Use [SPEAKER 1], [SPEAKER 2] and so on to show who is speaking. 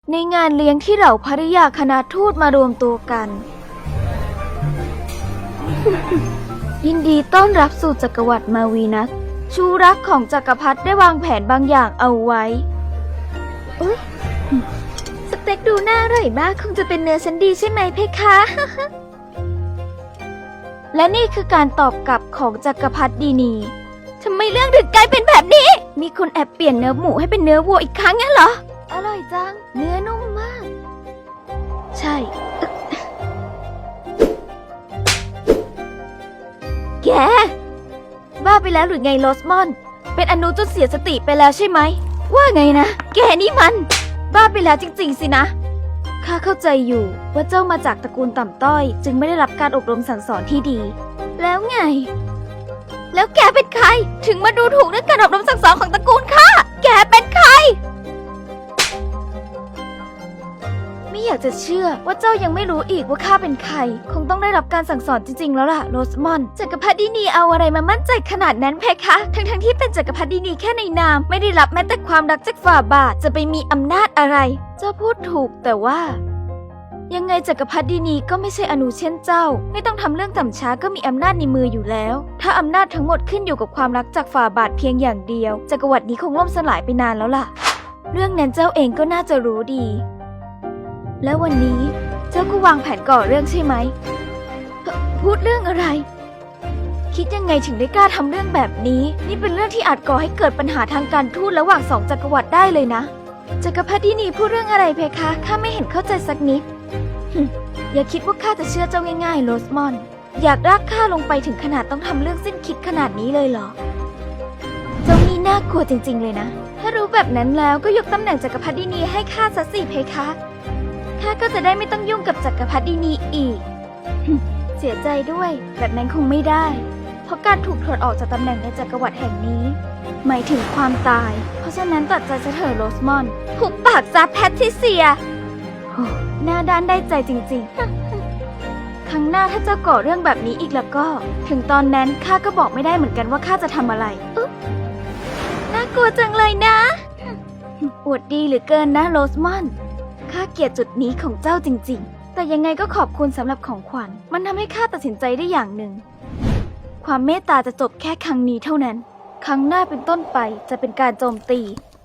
[SPEAKER 1] ในงานเลี้ยงที่เหล่าภริยาคณะทูตมารวมตัวกัน ยินดีต้อนรับสู่จักรวรรดิมาวีนัสชูรักของจักรพรรดิได้วางแผนบางอย่างเอาไว้อุ๊ยสเต็กดูน่าอร่อยมากคงจะเป็นเนื้อชั้นดีใช่ไหมเพคะ และนี่คือการตอบกลับของจักรพรรดินีทำไมเรื่องถึงกลายเป็นแบบนี้มีคนแอบเปลี่ยนเนื้อหมูให้เป็นเนื้อวัวอีกครั้งงั้นเหรออร่อยจังเนื้อนุ่มมากใช่ แกบ้าไปแล้วหรือไงโรสมอนเป็นอนุจนเสียสติไปแล้วใช่ไหมว่าไงนะแกนี่มันบ้าไปแล้วจริงๆสินะข้าเข้าใจอยู่ว่าเจ้ามาจากตระกูลต่ำต้อยจึงไม่ได้รับการอบรมสั่งสอนที่ดีแล้วไงแล้วแกเป็นใครถึงมาดูถูกเรื่องการอบรมสั่งสอนของตระกูลข้าแกเป็นใครไม่อยากจะเชื่อว่าเจ้ายังไม่รู้อีกว่าข้าเป็นใครคงต้องได้รับการสั่งสอนจริงๆแล้วล่ะโรสมอนจักรพรรดินีเอาอะไรมามั่นใจขนาดนั้นเพคะทั้งที่เป็นจักรพรรดินีแค่ในนามไม่ได้รับแม้แต่ความรักจากฝ่าบาทจะไปมีอำนาจอะไรเจ้าพูดถูกแต่ว่ายังไงจักรพรรดินีก็ไม่ใช่อนุเช่นเจ้าไม่ต้องทำเรื่องต่ำช้าก็มีอำนาจในมืออยู่แล้วถ้าอำนาจทั้งหมดขึ้นอยู่กับความรักจากฝ่าบาทเพียงอย่างเดียวจักรวรรดินี้คงล่มสลายไปนานแล้วล่ะเรื่องนั้นเจ้าเองก็น่าจะรู้ดีแล้ววันนี้เจ้าก็วางแผนก่อเรื่องใช่ไหมพูดเรื่องอะไรคิดยังไงถึงได้กล้าทำเรื่องแบบนี้นี่เป็นเรื่องที่อาจก่อให้เกิดปัญหาทางการทูตระหว่างสองจักรวรรดิได้เลยนะจักรพรรดินีพูดเรื่องอะไรเพคะข้าไม่เห็นเข้าใจสักนิด อย่าคิดว่าข้าจะเชื่อเจ้าง่ายๆโรสมอนอยากรากข้าลงไปถึงขนาดต้องทำเรื่องสิ้นคิดขนาดนี้เลยเหรอเจ้านี่น่ากลัวจริงๆเลยนะถ้ารู้แบบนั้นแล้วก็ยกตำแหน่งจักรพรรดินีให้ข้าซะสิเพคะข้าก็จะได้ไม่ต้องยุ่งกับจักรพรรดินีอีก เสียใจด้วยแบบนั้นคงไม่ได้เพราะการถูกถอดออกจากตำแหน่งในจักรวรรดิแห่งนี้หมายถึงความตายเพราะฉะนั้นตัดใจซะเถอะโรสมอนหุบปากซะแพทริเซียหน้าด้านได้ใจจริงๆ ครั้งหน้าถ้าเจ้าก่อเรื่องแบบนี้อีกแล้วก็ถึงตอนนั้นข้าก็บอกไม่ได้เหมือนกันว่าข้าจะทำอะไรน่ากลัวจังเลยนะ อวดดีเหลือเกินนะโรสมอนข้าเกลียดจุดนี้ของเจ้าจริงๆแต่ยังไงก็ขอบคุณสำหรับของขวัญมันทำให้ข้าตัดสินใจได้อย่างหนึ่งความเมตตาจะจบแค่ครั้งนี้เท่านั้นครั้งหน้าเป็นต้นไปจะเป็นการโจมตี